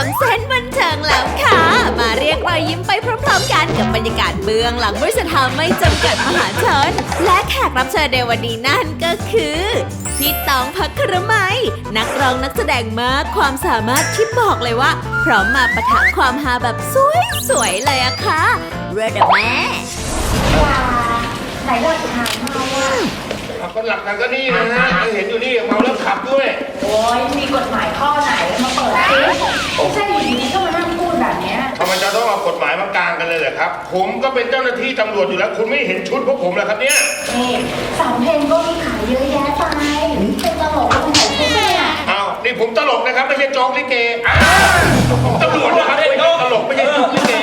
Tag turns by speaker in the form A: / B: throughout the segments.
A: งเส้นบันเทิงแล้วค่ะมาเรียกรอยยิ้มไปพร้อมๆกันกับบรรยากาศเบื้องหลังบริษัทฮาไม่จำกัดมหาชนและแขกรับเชิญในวันนี้นั่นก็คือพี่ตองภัครมัยนักร้องนักแสดงมากความสามารถที่บอกเลยว่าพร้อมมาปะทะความฮาแบบสวยๆเลยอะค่ะเรดแม่
B: ไหนหลักฐานเมาอ่ะ
C: ก็หลักฐานก็นี่นะฮะเห็นอยู่นี่เมาแล้วขับด้วย
B: โอ้ยมีกฎหมายข้อไหนแล้วมาเปิดซิไม่ใช่อยู่ดีๆก็มานั่งพูดแบบเนี้ย
C: ทำไมจะต้องเอากฎหมายมากลางกันเลยเหรอครับผมก็เป็นเจ้าหน้าที่ตำรวจอยู่แล้วคุณไม่เห็นชุดพวกผมเหรอครับเนี่ย
B: นี่สำเพ็งก็มีขายเยอะแยะไปเป็นตลกก็ต้องใส่ชุดเนี่ย
C: อ้าวนี่ผมตลกนะครับไม่ใช่โจ๊กลิเกผมตำรวจนะครับไม่ใช่ตลกไม่ใช่โจ๊กลิเก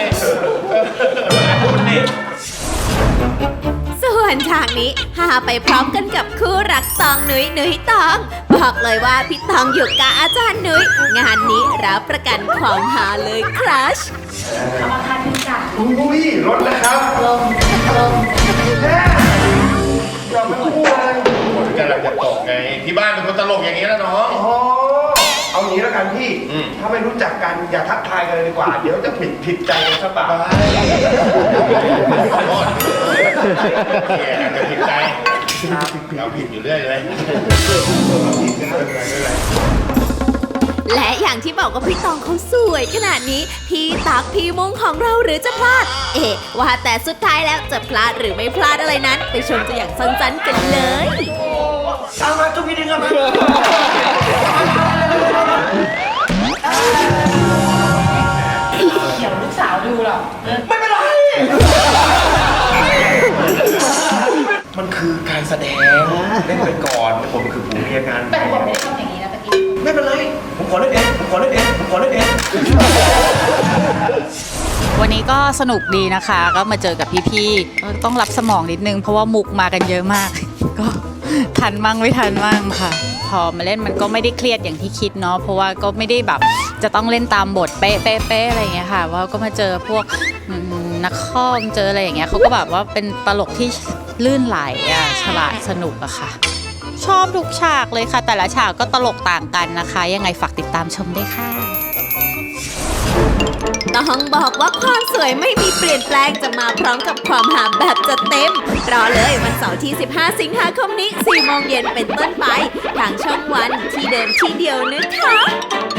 A: ส่วนฉากนี้ฮาไปพร้อมกันกับคู่รักตองนุ้ยตองบอกเลยว่าพี่ตองอยู่กับอาจารย์นุ้ยงานนี้รับประกันความฮาเลยครัช
B: เอามาคันจ้ะ
C: อุ้ยรถแล้วครับ
B: ลง
C: แม่อย่าไปพูดเลยผมกำลังจะตกไงที่บ้านเป็นคนตลกอย่างนี้แล้วน้อง
D: เอางี้แล้วกันพี่ถ้าไม่รู้จักกันอย่าทักทายกันเลยดีกว่าเดี๋ยวจะผิดใจกันซะเปล่า
C: ขอโทษเนี่ยอาจจะผิดใจเราผิดอยู่เรื่อยเลย
A: และอย่างที่บอกว่าพี่ตองเขาสวยขนาดนี้พี่ตักพี่มุ้งของเราหรือจะพลาดว่าแต่สุดท้ายแล้วจะพลาดหรือไม่พลาดอะไรนั้นไปชมตัวอย่างสั้นๆกันเลย
D: เอามาทุกทีนึงครับ
B: เดี๋ยวลูกสาวดูหรอก
D: ไม่เป็นไรมันคือการแสดงเล่นไปก่อนผมคือผู้มีอาการ
B: แต่ผมไม่ได้ทำอย่างนี้นะตะกี้
D: ไม่เป็นไรผมขอเล่นเอง
E: วันนี้ก็สนุกดีนะคะก็มาเจอกับพี่ๆต้องรับสมองนิดนึงเพราะว่ามุกมากันเยอะมากก็ทันมั่งไม่ทันมั่งค่ะพอมาเล่นมันก็ไม่ได้เครียดอย่างที่คิดเนาะเพราะว่าก็ไม่ได้แบบจะต้องเล่นตามบทเป๊ะอะไรอย่างเงี้ยค่ะว่าก็มาเจอพวกนักข้อมเจออะไรอย่างเงี้ยเขาก็แบบว่าเป็นตลกที่ลื่นไหลฉลาดสนุกอะค่ะชอบทุกฉากเลยค่ะแต่ละฉากก็ตลกต่างกันนะคะยังไงฝากติดตามชมด้วยค่ะ
A: ต้องบอกว่าความสวยไม่มีเปลี่ยนแปลงจะมาพร้อมกับความหาแบบจัดเต็มรอเลยวันเสาร์ที่15สิงหาคมนี้ 4 โมงเย็นเป็นต้นไปทางช่องวันที่เดิมที่เดียวนะคะ